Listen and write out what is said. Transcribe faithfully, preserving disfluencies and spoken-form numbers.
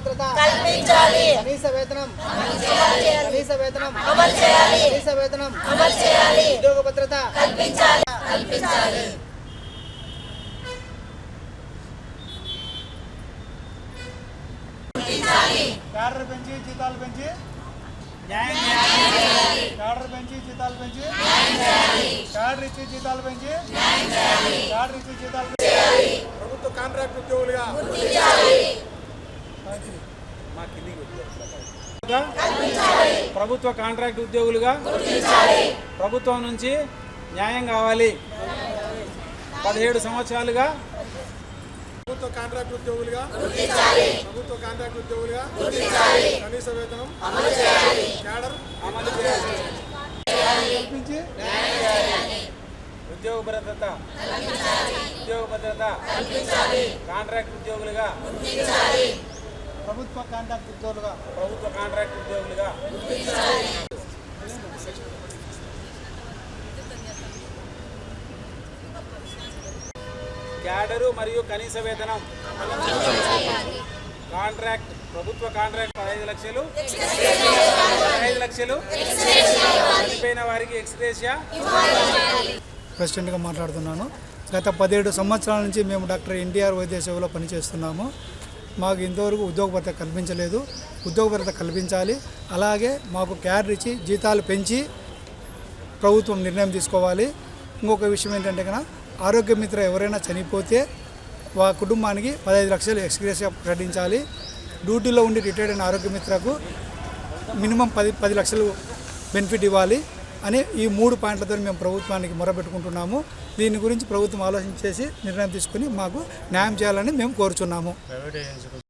భద్రత కల్పించాలి. కనీస వేతనం కనీస వేతనం అమలు చేయాలి. కనీస వేతనం అమలు చేయాలి. ఉద్యోగ భద్రత కల్పించాలి కల్పించాలి క్యాడర్ పెంచి జీతాలు పెంచి క్యాడర్ పెంచి జీతాలు పెంచి క్యాడర్ ఇచ్చి జీతాలు పెంచి క్యాడర్ ఇచ్చి జీతాలు పెంచి ప్రభుత్వ కాంట్రాక్ట్ ఉద్యోగులుగా ప్రభుత్వ కాంట్రాక్ట్ ఉద్యోగులుగా ప్రభుత్వం నుంచి న్యాయం కావాలి. పదిహేడు సంవత్సరాలుగా ప్రభుత్వ కాంట్రాక్ట్ ఉద్యోగులుగా ప్రభుత్వ కాంట్రాక్ట్ ఉద్యోగులుగా కనీస వేతనం క్యాడర్ అమలు చేయాలి. కల్పించి ఉద్యోగ భద్రత ఉద్యోగ భద్రత కాంట్రాక్ట్ ఉద్యోగులుగా ప్రభుత్వ కాంట్రాక్ట్ ఉద్యోగులుగా ప్రభుత్వ కాంట్రాక్ట్ ఉద్యోగులుగా క్యాడరు మరియు కనీస వేతనం కాంట్రాక్ట్ ప్రభుత్వ కాంట్రాక్ట్ పదహైదు లక్షలు పదహైదు లక్షలు చనిపోయిన వారికి ఎక్స్గ్రేషియా. ప్రెసిడెంట్గా మాట్లాడుతున్నాను. గత పదిహేడు సంవత్సరాల నుంచి మేము డాక్టర్ ఎన్టీఆర్ వైద్య సేవలో పనిచేస్తున్నాము. మాకు ఇంతవరకు ఉద్యోగ భద్రత కల్పించలేదు. ఉద్యోగ భద్రత కల్పించాలి. అలాగే మాకు క్యాడర్ ఇచ్చి జీతాలు పెంచి ప్రభుత్వం నిర్ణయం తీసుకోవాలి. ఇంకొక విషయం ఏంటంటే కనుక ఆరోగ్య మిత్ర ఎవరైనా చనిపోతే వా కుటుంబానికి పదహైదు లక్షలు ఎక్స్గ్రేషియా ప్రకటించాలి. డ్యూటీలో ఉండి రిటైర్డ్ అయిన ఆరోగ్య మిత్రకు మినిమం పది పది లక్షలు బెనిఫిట్ ఇవ్వాలి అని ఈ మూడు పాయింట్లతో మేము ప్రభుత్వానికి మొరపెట్టుకుంటున్నాము. దీని గురించి ప్రభుత్వం ఆలోచించేసి నిర్ణయం తీసుకుని మాకు న్యాయం చేయాలని మేము కోరుచున్నాము.